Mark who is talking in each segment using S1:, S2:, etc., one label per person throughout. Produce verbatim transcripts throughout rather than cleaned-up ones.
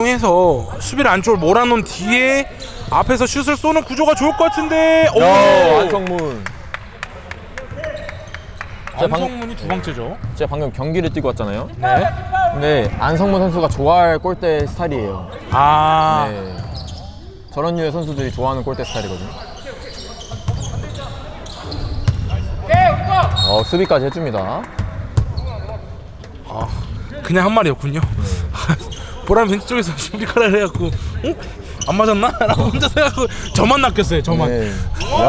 S1: 해서 수비를 안쪽으로 몰아놓은 뒤에 앞에서 슛을 쏘는 구조가 좋을 것 같은데. 오!
S2: 야, 안성문.
S1: 안성문이 두 번째죠.
S2: 제가 방금 경기를 뛰고 왔잖아요.
S1: 네.
S2: 근데 안성문 선수가 좋아할 골대 스타일이에요.
S1: 아.
S2: 네. 저런 류의 선수들이 좋아하는 골대 스타일이거든요. 어, 수비까지 해줍니다.
S1: 아, 그냥 한 말이었군요. 보람 벤치 쪽에서 수비카를 해갖고, 어? 안 맞았나? 라고 혼자 생각하고 저만 낚였어요. 저만.
S2: 네. 야,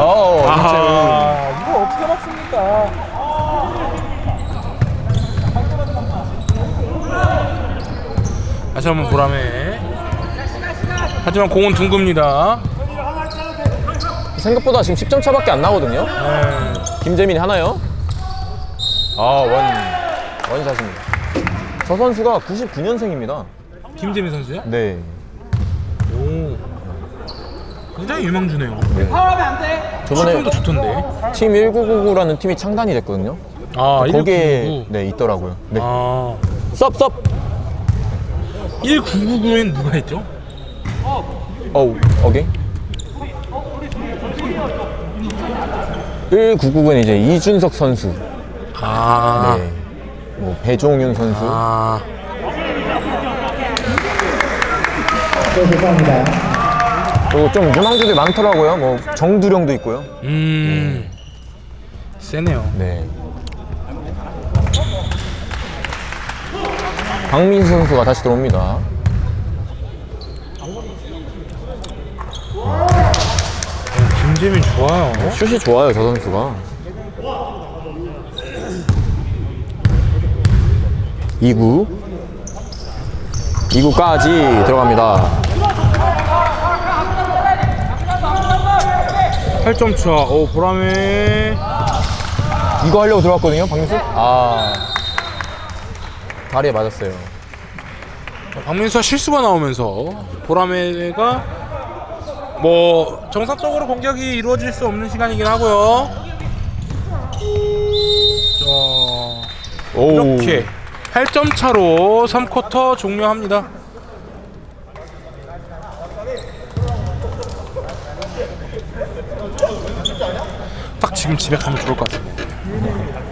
S1: 아, 이거 어떻게 맞습니까? 다시 한번 보람에. 하지만 공은 둥굽니다.
S2: 생각보다 지금 십 점 차밖에 안 나거든요.
S1: 네.
S2: 김재민이 하나요? 아, 원, 원샷입니다. 저 선수가 구십구 년생입니다.
S1: 김재민 선수요?
S2: 네.
S1: 오. 굉장히 유망주네요.
S2: 네.
S1: 시점도
S2: 저번에
S1: 좋던데.
S2: 팀 천구백구십구라는 팀이 창단이 됐거든요.
S1: 아,
S2: 거기에
S1: 천구백구십구.
S2: 네, 있더라고요. 네.
S1: 아.
S2: 썹, 썹!
S1: 천구백구십구엔 누가 했죠?
S2: 어우, 오케이. 천구백구십구는 이제 이준석 선수,
S1: 아.
S2: 네, 뭐 배종윤 선수,
S1: 아.
S3: 네, 죄송합니다.
S2: 그리고 좀 유망주들이 많더라고요. 뭐 정두령도 있고요.
S1: 음. 세네요.
S2: 네. 박민수 선수가 다시 들어옵니다.
S1: 김재민 좋아요.
S2: 슛이 좋아요, 저 선수가. 이 구 이 구까지 들어갑니다.
S1: 팔 점 차. 오, 보람에.
S2: 이거 하려고 들어갔거든요, 박민수? 아, 다리에 맞았어요.
S1: 박민수가 실수가 나오면서 보람에가 뭐 정상적으로 공격이 이루어질 수 없는 시간이긴 하고요. 자,
S2: 오.
S1: 이렇게 팔 점 차로 삼 쿼터 종료합니다. 딱 지금 집에 가면 좋을 것 같아요.